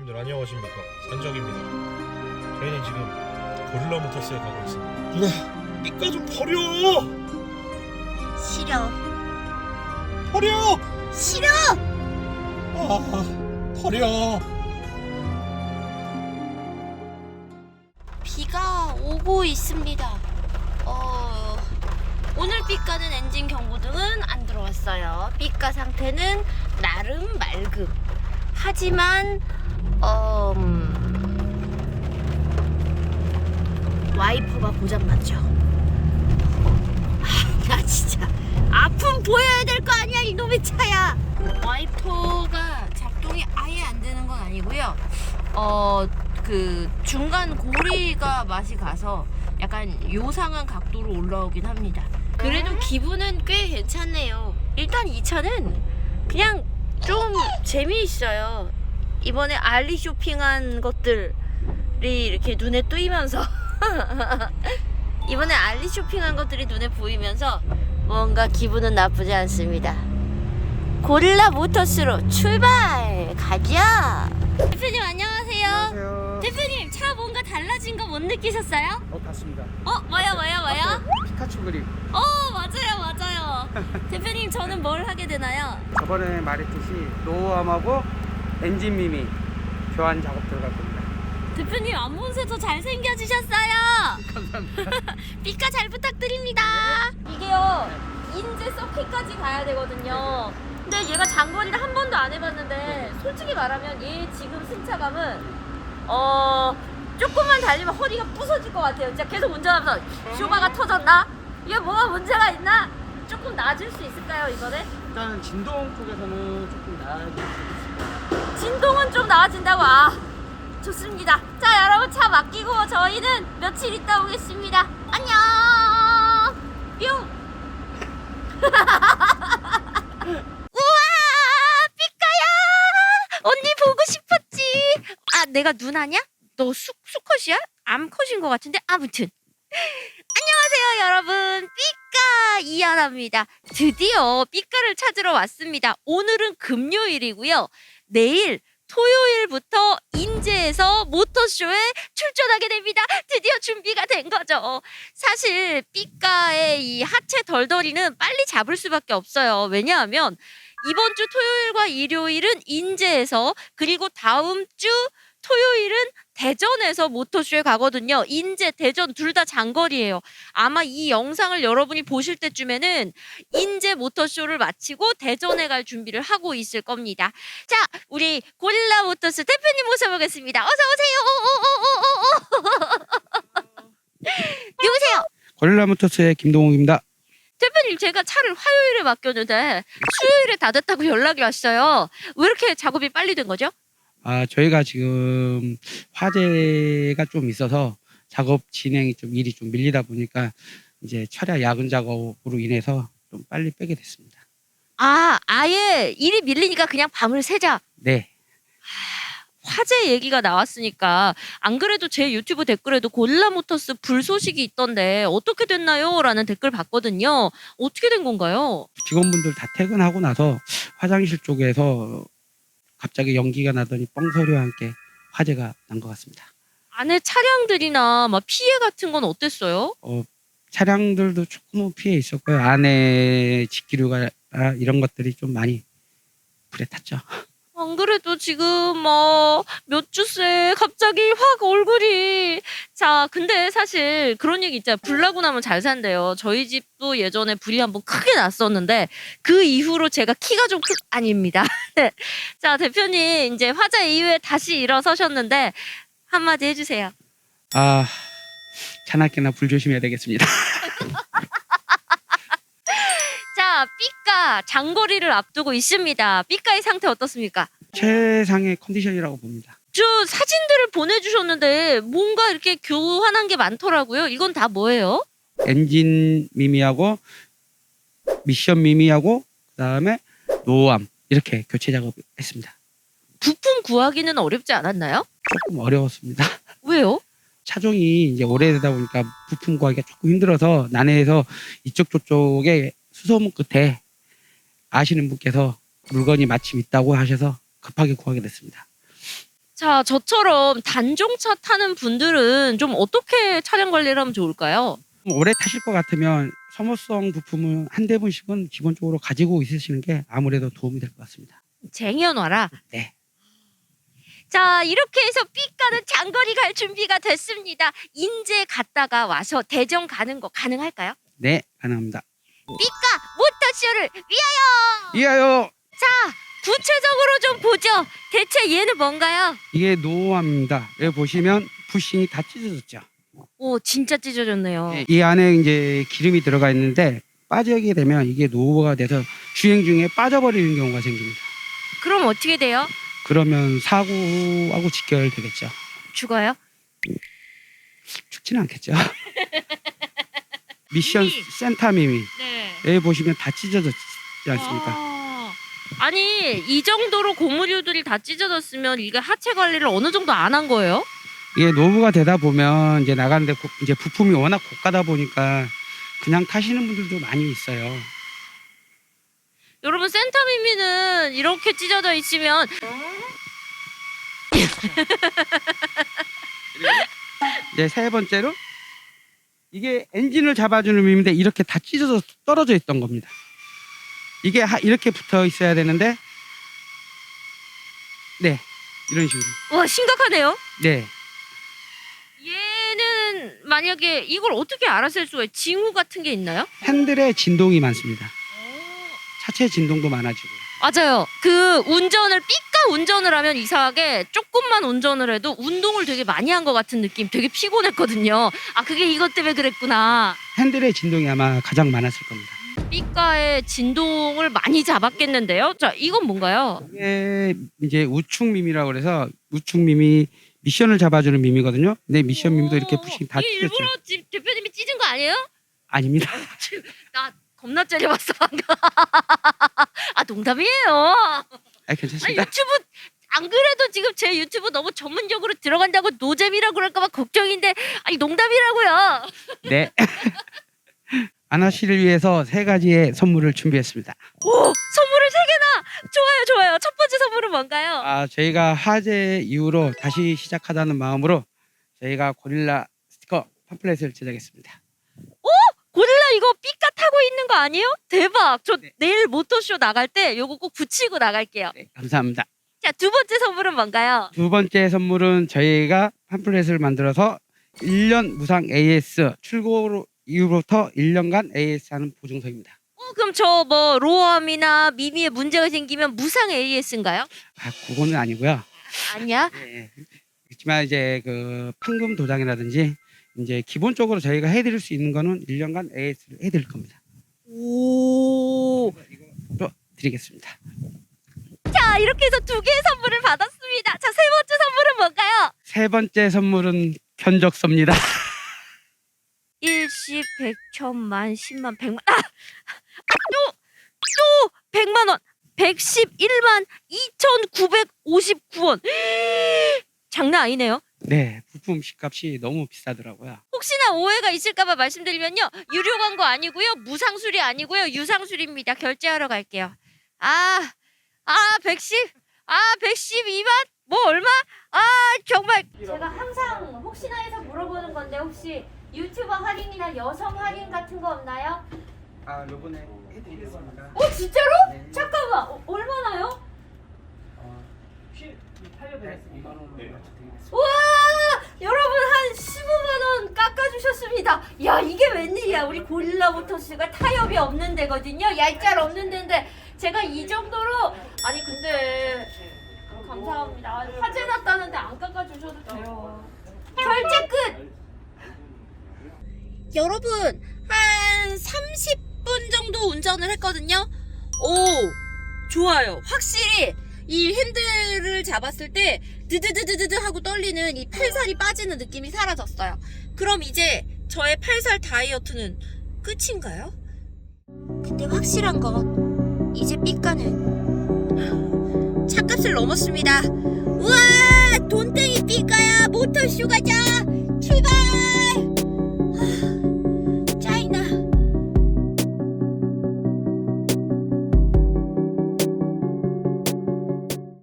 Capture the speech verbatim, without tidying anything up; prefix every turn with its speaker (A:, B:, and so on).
A: 여러분들 안녕하십니까, 산적입니다. 저희는 지금 고릴라 모터스에 가고 있습니다. 누나, 삐까 좀 버려!
B: 싫어.
A: 버려!
B: 싫어.
A: 아, 버려!
B: 비가 오고 있습니다. 어, 오늘 삐까는 엔진 경고등은 안 들어왔어요. 삐까 상태는 나름 맑음. 하지만 어, 음, 와이퍼가 고장났죠. 아, 나 진짜 아픔 보여야 될 거 아니야, 이놈의 차야. 와이퍼가 작동이 아예 안 되는 건 아니고요. 어, 그 중간 고리가 맛이 가서 약간 요상한 각도로 올라오긴 합니다. 그래도 기분은 꽤 괜찮네요. 일단 이 차는 그냥 좀 재미있어요. 이번에 알리 쇼핑한 것들이 이렇게 눈에 띄면서 이번에 알리 쇼핑한 것들이 눈에 보이면서 뭔가 기분은 나쁘지 않습니다. 고릴라 모터스로 출발! 가자! 대표님 안녕하세요.
C: 안녕하세요.
B: 대표님 차 뭔가 달라진 거 못 느끼셨어요?
C: 어, 봤습니다.
B: 어? 뭐요 뭐요 뭐요?
C: 피카츄 그림.
B: 어 맞아요 맞아요. 대표님 저는 뭘 하게 되나요?
C: 저번에 말했듯이 노후함하고 엔진 미미 교환 작업 들어갈 겁니다.
B: 대표님 앞문세 더 잘생겨지셨어요.
C: 감사합니다.
B: 삐까 잘 부탁드립니다. 이게요 인제 서킷까지 가야 되거든요. 근데 얘가 장거리를 한 번도 안 해봤는데 솔직히 말하면 얘 지금 승차감은 어 조금만 달리면 허리가 부서질 것 같아요. 진짜 계속 운전하면서 쇼바가 터졌나? 이게 뭐가 문제가 있나? 조금 낮을 수 있을까요 이번에?
C: 일단은 진동 쪽에서는 조금 나아질 수 있습니다.
B: 진동은 좀 나아진다고. 아 좋습니다. 자 여러분 차 맡기고 저희는 며칠 있다 오겠습니다. 안녕 뿅. 우와 삐까야 언니 보고 싶었지. 아 내가 누나냐? 너 수, 수컷이야? 암컷인 것 같은데 아무튼 안녕하세요 여러분, 삐까 이하나입니다. 드디어 삐까를 찾으러 왔습니다. 오늘은 금요일이고요. 내일 토요일부터 인제에서 모터쇼에 출전하게 됩니다. 드디어 준비가 된 거죠. 사실 삐까의 이 하체 덜덜이는 빨리 잡을 수밖에 없어요. 왜냐하면 이번 주 토요일과 일요일은 인제에서, 그리고 다음 주 토요일은 대전에서 모터쇼에 가거든요. 인제, 대전 둘 다 장거리예요. 아마 이 영상을 여러분이 보실 때쯤에는 인제 모터쇼를 마치고 대전에 갈 준비를 하고 있을 겁니다. 자, 우리 고릴라 모터스 대표님 모셔보겠습니다. 어서 오세요. 누구세요?
C: 고릴라 모터스의 김동욱입니다.
B: 대표님 제가 차를 화요일에 맡겼는데 수요일에 다 됐다고 연락이 왔어요. 왜 이렇게 작업이 빨리 된 거죠?
C: 아, 저희가 지금 화재가 좀 있어서 작업 진행이 좀 일이 좀 밀리다 보니까 이제 철야 야근 작업으로 인해서 좀 빨리 빼게 됐습니다.
B: 아, 아예 일이 밀리니까 그냥 밤을 새자.
C: 네.
B: 화재 얘기가 나왔으니까 안 그래도 제 유튜브 댓글에도 고릴라 모터스 불 소식이 있던데 어떻게 됐나요? 라는 댓글 봤거든요. 어떻게 된 건가요?
C: 직원분들 다 퇴근하고 나서 화장실 쪽에서 갑자기 연기가 나더니 뻥소리와 함께 화재가 난 것 같습니다.
B: 안에 차량들이나 막 피해 같은 건 어땠어요?
C: 어, 차량들도 조금은 피해 있었고요. 안에 직기류가 아, 이런 것들이 좀 많이 불에 탔죠.
B: 안 그래도 지금 뭐 몇 주째 갑자기 확 얼굴이. 자 근데 사실 그런 얘기 있잖아요. 불 나고 나면 잘 산대요. 저희 집도 예전에 불이 한번 크게 났었는데 그 이후로 제가 키가 좀 크... 아닙니다. 자 대표님 이제 화재 이후에 다시 일어서셨는데 한마디 해주세요.
C: 아, 차나게나 불 조심해야 되겠습니다.
B: 자 삐까 장거리를 앞두고 있습니다. 삐까의 상태 어떻습니까?
C: 최상의 컨디션이라고 봅니다.
B: 저 사진들을 보내주셨는데 뭔가 이렇게 교환한 게 많더라고요. 이건 다 뭐예요?
C: 엔진 미미하고 미션 미미하고 그다음에 노암 이렇게 교체 작업했습니다.
B: 부품 구하기는 어렵지 않았나요?
C: 조금 어려웠습니다.
B: 왜요?
C: 차종이 이제 오래되다 보니까 부품 구하기가 조금 힘들어서 난해해서 이쪽 저쪽에 수소문 끝에 아시는 분께서 물건이 마침 있다고 하셔서 급하게 구하게 됐습니다.
B: 자, 저처럼 단종차 타는 분들은 좀 어떻게 차량 관리를 하면 좋을까요?
C: 오래 타실 것 같으면 소모성 부품은 한 대분씩은 기본적으로 가지고 있으시는 게 아무래도 도움이 될 것 같습니다.
B: 쟁여놔라.
C: 네.
B: 자, 이렇게 해서 삐까는 장거리 갈 준비가 됐습니다. 인제 갔다가 와서 대전 가는 거 가능할까요?
C: 네, 가능합니다.
B: 삐까 모터쇼를 위하여!
C: 이하요.
B: 자, 구체적으로 좀 보죠. 대체 얘는 뭔가요?
C: 이게 노후함입니다. 여기 보시면 부싱이 다 찢어졌죠.
B: 오, 진짜 찢어졌네요.
C: 네, 이 안에 이제 기름이 들어가 있는데 빠지게 되면 이게 노후가 돼서 주행 중에 빠져버리는 경우가 생깁니다.
B: 그럼 어떻게 돼요?
C: 그러면 사고하고 직결되겠죠.
B: 죽어요?
C: 죽지는 않겠죠. 미션
B: 미미.
C: 센터 미미.
B: 네.
C: 여기 보시면 다 찢어졌지 않습니까?
B: 아, 아니, 이 정도로 고무류들이 다 찢어졌으면 이게 하체 관리를 어느 정도 안 한 거예요?
C: 이게 노후가 되다 보면 이제 나가는데 고- 이제 부품이 워낙 고가다 보니까 그냥 타시는 분들도 많이 있어요.
B: 여러분, 센터미미는 이렇게 찢어져 있으면
C: 이제 세 번째로 이게 엔진을 잡아주는 밈인데 이렇게 다 찢어져 떨어져 있던 겁니다. 이게 하- 이렇게 붙어 있어야 되는데 네 이런 식으로
B: 와, 심각하네요.
C: 네
B: 얘는 만약에 이걸 어떻게 알아챌 수가 있어요? 징후 같은 게 있나요?
C: 핸들에 진동이 많습니다. 차체 진동도 많아지고
B: 맞아요. 그 운전을 삐까 운전을 하면 이상하게 조금만 운전을 해도 운동을 되게 많이 한 것 같은 느낌. 되게 피곤했거든요. 아, 그게 이것 때문에 그랬구나.
C: 핸들의 진동이 아마 가장 많았을 겁니다.
B: 삐까의 진동을 많이 잡았겠는데요. 자, 이건 뭔가요?
C: 이게 이제 우측 밈이라고 그래서 우측 밈이 미션을 잡아주는 밈이거든요. 근데 미션 밈도 이렇게 부싱 다
B: 이게
C: 찢었죠.
B: 일부러 지- 대표님이 찢은 거 아니에요?
C: 아닙니다.
B: 나 겁나 째려봤어 방금. 아, 농담이에요.
C: 아,
B: 아,
C: 괜찮습니다.
B: 유튜브 안 그래도 지금 제 유튜브 너무 전문적으로 들어간다고 노잼이라고 그럴까봐 걱정인데, 아니 농담이라고요.
C: 네. 아나 씨를 위해서 세 가지의 선물을 준비했습니다.
B: 오, 선물을 세 개나. 좋아요, 좋아요. 첫 번째 선물은 뭔가요?
C: 아, 저희가 화재 이후로 다시 시작하자는 마음으로 저희가 고릴라 스티커 팜플렛을 제작했습니다.
B: 고릴라 이거 삐까 타고 있는 거 아니에요? 대박. 저
C: 네.
B: 내일 모터쇼 나갈 때 요거 꼭 붙이고 나갈게요.
C: 네, 감사합니다.
B: 자, 두 번째 선물은 뭔가요?
C: 두 번째 선물은 저희가 팜플렛을 만들어서 일 년 무상 에이에스 출고 이후부터 일 년간 에이에스 하는 보증서입니다.
B: 어, 그럼 저 뭐 로어함이나 미미에 문제가 생기면 무상 에이에스인가요?
C: 아, 그거는 아니고요.
B: 아니야.
C: 네. 그렇지만 이제 그 판금 도장이라든지 이제 기본적으로 저희가 해드릴 수 있는 거는 일 년간 에이에스를 해드릴 겁니다.
B: 오.
C: 또 드리겠습니다.
B: 자, 이렇게 해서 두 개의 선물을 받았습니다. 자, 세 번째 선물은 뭔가요?
C: 세 번째 선물은 견적서입니다.
B: 일십, 백, 천만, 십만, 백만. 아! 아, 또! 또! 백만 원! 백십일만 이천구백오십구 원. 장난 아니네요.
C: 네, 부품 시값이 너무 비싸더라고요.
B: 혹시나 오해가 있을까봐 말씀드리면요, 유료 광고 아니고요, 무상수리 아니고요, 유상수리입니다. 결제하러 갈게요. 아, 아, 백십, 아, 백십이만? 뭐 얼마? 아, 정말. 제가 항상 혹시나 해서 물어보는 건데, 혹시 유튜버 할인이나 여성 할인 같은 거 없나요?
C: 아, 요번에 해드리겠습니다.
B: 어, 진짜로?
C: 네.
B: 잠깐만, 어, 얼마나요?
C: 이만 원으로 맞춰드리겠습니다.
B: 와, 여러분 한 십오만 원 깎아주셨습니다. 야, 이게 웬일이야. 우리 고릴라 모터스가 타협이 없는 데거든요. 얄짤 없는 데인데 제가 이 정도로. 아니 근데 감사합니다. 화재 났다는데 안 깎아주셔도 돼요. 결제 끝. 여러분 한 삼십 분 정도 운전을 했거든요. 오, 좋아요. 확실히 이 핸들을 잡았을 때 드드드드드 하고 떨리는 이 팔살이 빠지는 느낌이 사라졌어요. 그럼 이제 저의 팔살 다이어트는 끝인가요? 근데 확실한 건 이제 삐까는 차값을 넘었습니다. 우와, 돈땡이 삐까야, 모터쇼 가자. 출발!